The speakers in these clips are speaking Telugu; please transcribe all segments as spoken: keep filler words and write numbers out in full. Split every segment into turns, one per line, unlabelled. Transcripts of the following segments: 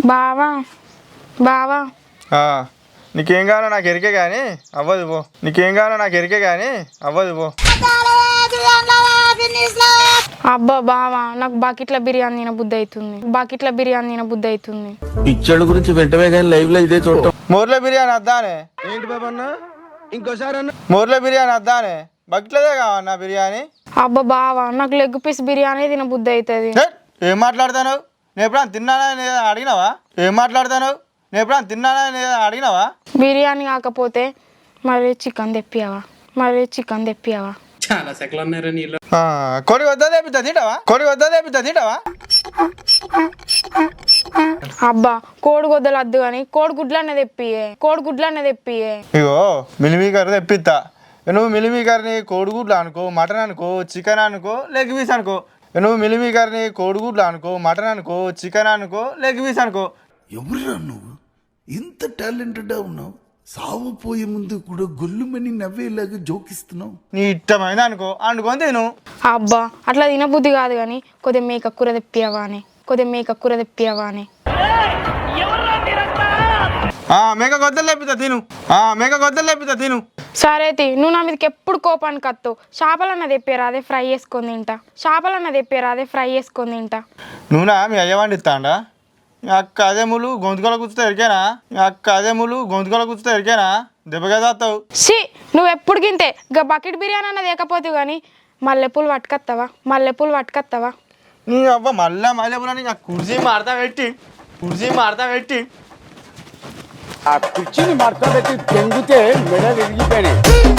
బావా బావా
నీకేం కావాలో నాకు ఎరికే కానీ అవ్వదు పో. నీకేం కావాలో నాకు ఎరికే కానీ అవ్వదు పో.
అబ్బా బావా నాకు బకెట్ల బిర్యానీ తిన బుద్ధి అవుతుంది. బకెట్ల బిర్యానీ తిన బుద్ధి అవుతుంది.
పిచ్చోళ్ళ గురించి వెంటనే కానీ లైవ్ లో ఇదే చూడటం.
మోర్ల బిర్యానీ వద్దానే.
ఏంటి బాబా అన్న ఇంకోసారి అన్న
మోర్ల బిర్యానీ వద్దానే. బకెట్లదే కావన్నా బిర్యానీ.
అబ్బా బావా నాకు లెగ్ పీస్ బిర్యానీ తిన బుద్ధి అవుతుంది.
ఏం మాట్లాడతాను? నేను ఎప్పుడన్నా తిన్నానా అడిగినావా? ఏం మాట్లాడతాను? నేను ఎప్పుడన్నా తిన్నానా అడిగినావా?
బిర్యానీ కాకపోతే మరి చికెన్ తెప్పియావా? మరి చికెన్ తెప్పియావా?
చాలా సెకలు ఉన్నారా నీళ్ళు.
కొడి వద్దా తెప్పిద్దా తింటావా? కొడి వద్దా తెప్పిద్దా తింటావా?
అబ్బా కోడి గొద్దలు వద్దు కానీ కోడి గుడ్లనే తెప్పియే. కోడి గుడ్లనే తెప్పియే.
ఇగో మిలిమీకర్ తెప్పిస్తా. నువ్వు మిలిమీకర్ని కోడిగుడ్లు అనుకో, మటన్ అనుకో, చికెన్ అనుకో, లెగ్ పీస్ అనుకో. నువ్వు మిలిమీకర్ని కోడిగుడ్లు అనుకో, మటన్ అనుకో, చికెన్ అనుకో, లెగ్ పీస్ అనుకో.
ఎవరురా నువ్వు ఇంత టాలెంటెడ్ ఉన్నావు? సావు పోయే ముందు కూడా గొల్లుమని నవ్వేలాగా జోకిస్తున్నావు.
నీ ఇష్టమైన అనుకో అనుకొని తిను.
అబ్బా అట్లా తినబుద్ధి కాదు కానీ కొద్దిగా మేక కూర తెప్పియావా అని. కొద్దిగా మేక కూర తెప్పియావా అని.
మేక గొద్దలు తెప్పిస్తా తిను. మేక గొద్దలు తెప్పిస్తా తిను.
సరే తి నువ్వు నా మీదకి ఎప్పుడు కోపానికి వస్తావు. చేపలన్న తెప్పారా అదే ఫ్రై చేసుకొని తింటా. చేపలన్న తెప్పారా అదే ఫ్రై చేసుకొని తింటా.
నువ్వునా మీ అయ్యవాడిని ఇస్తాండా? మీ అక్క అదే ముళ్ళు గొంతుకల కూర్చుతా ఎరికేనా? మీ అక్క అదే ముళ్ళు గొంతుకల కూర్చుతా ఎరికేనా? దెబ్బగా తాస్తావు.
సి నువ్వు ఎప్పుడు గింతే ఇక బకెట్ బిర్యానీ అన్నది లేకపోతే కానీ మల్లెపూలు పట్టుకొస్తావా? మల్లెపూలు పట్టుకొస్తావా?
నీ అవ్వ మళ్ళా మల్లెపూలని కుర్చీ మాడతా పెట్టి కుర్చీ మాడతా పెట్టి
ఆ కుర్చీని మడత పెట్టి తెంగితే మెడ విరిగిపోయినాయి.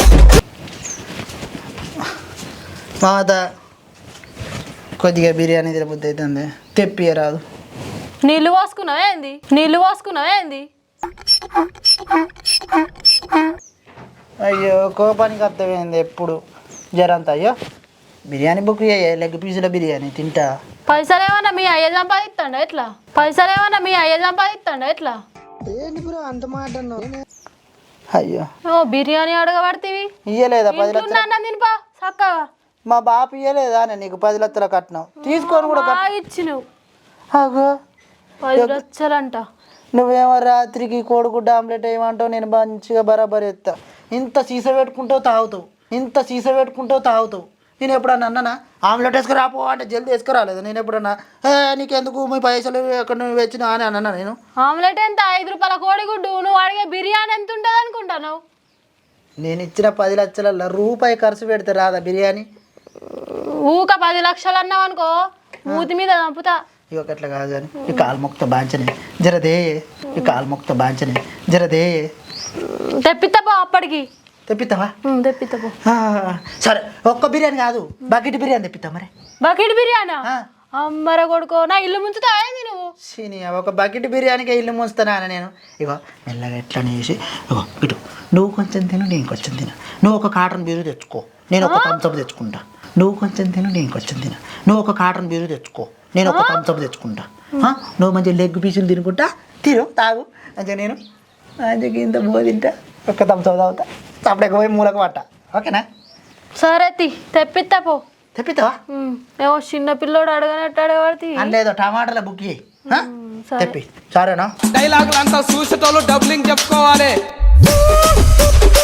మాత కొద్దిగా బిర్యానీ తినబుద్ధి అవుతుంది. తెప్పియరాదు.
నీళ్ళు పోసుకున్నావా ఏంది? నీళ్ళు పోసుకున్నావా ఏంది?
అయ్యో కోపానికి అర్థమైంది ఎప్పుడు జరంత. అయ్యో బిర్యానీ బుక్ చేయ లెగ్ పీసుల బిర్యానీ తింటా.
పైసలు ఏమన్నా మీ అయ్య సంపాదిస్తాడా ఎట్లా? పైసలు ఏమన్నా మీ అయ్య సంపాదిస్తాడా ఎట్లా?
అంత మాట అయ్యో
ఓ బిర్యానీ అడగబడితేవి
ఇయ్యలేదా పది లక్షలు?
తినిపా చక్కగా.
మా బాపు ఇయ్యలేదా నీకు పది లక్షల కట్నం? తీసుకొని కూడా
ఇచ్చినవు
అగో
పది లక్షలంట.
నువ్వేమో రాత్రికి కోడిగుడ్డ ఆమ్లెట్ వేయమంటావు, నేను మంచిగా బరాబర్ ఎత్తా. ఇంత సీస పెట్టుకుంటావు తాగుతావు, ఇంత సీస పెట్టుకుంటావు తాగుతావు. నేను ఎప్పుడన్నా అన్నానా ఆమ్లెట్ వేసుకురాపో అంటే జల్దీ వేసుకురాలేదు. నేను ఎప్పుడన్నా నీకెందుకు మీ పైసలు ఎక్కడ నువ్వు వచ్చినా అని అన్నా నేను.
ఆమ్లెట్ ఎంత? ఐదు రూపాయల కోడిగుడ్డు. నువ్వు అడిగే బిర్యానీ ఎంత ఉంటుంది అనుకుంటావు?
నేను ఇచ్చిన పది లక్షల రూపాయి ఖర్చు పెడితే రాదా బిర్యానీ?
ఊక పది లక్షలు అన్నావు అనుకో మూతి మీద చంపుతా.
ఇక అట్లా కాదు కానీ ఈ కాలు మొక్త బాంచనే జరదే, ఈ కాలు మొక్త బాంచనే జరదే.
తెప్పిస్తాపో అప్పటికి.
తెప్పిస్తావా?
తెప్పిస్తాపో.
సరే ఒక్క బిర్యానీ కాదు బకెట్ బిర్యానీ తెప్పిస్తా. మరి
బకెట్ బిర్యానా? అమ్మర కొడుకో నా ఇల్లు ముంచుతా ఏంది నువ్వు?
సీని ఒక బకెట్ బిర్యానీకి ఇల్లు ముంచుతానా నేను. ఇగో మెల్లగా ఎట్లా చేసి ఇగో ఇటు నువ్వు కొంచెం తిను నేను కొంచెం తిను. నువ్వు ఒక కాటన్ బీరు తెచ్చుకో, నేను ఒక థమ్స్అప్ తెచ్చుకుంటా. నువ్వు కొంచెం తిను నేను కొంచెం తిను. నువ్వు ఒక కాటన్ బీరు తెచ్చుకో, నేను ఒక థమ్స్అప్ తెచ్చుకుంటా. నువ్వు మంచిగా లెగ్ పీసులు తినుకుంటా తిను తాగు. మంచిగా నేను మంచిగా ఇంత బో తింటా, ఒక థమ్స్అప్ తాగుతా, అప్పుడే పోయి మూలకు పట్ట. ఓకేనా?
సరే తి తెప్పిస్తా పో.
తెప్పిస్తావా?
ఏమో చిన్న పిల్లోడు అడగనట్టు అడగబడి
లేదో టమాటాల బుక్ చేయి తెప్పి. సరేనా?
డైలాగులు అంతా చూసేటోళ్ళు డబ్లింగ్ చెప్పుకోవాలి.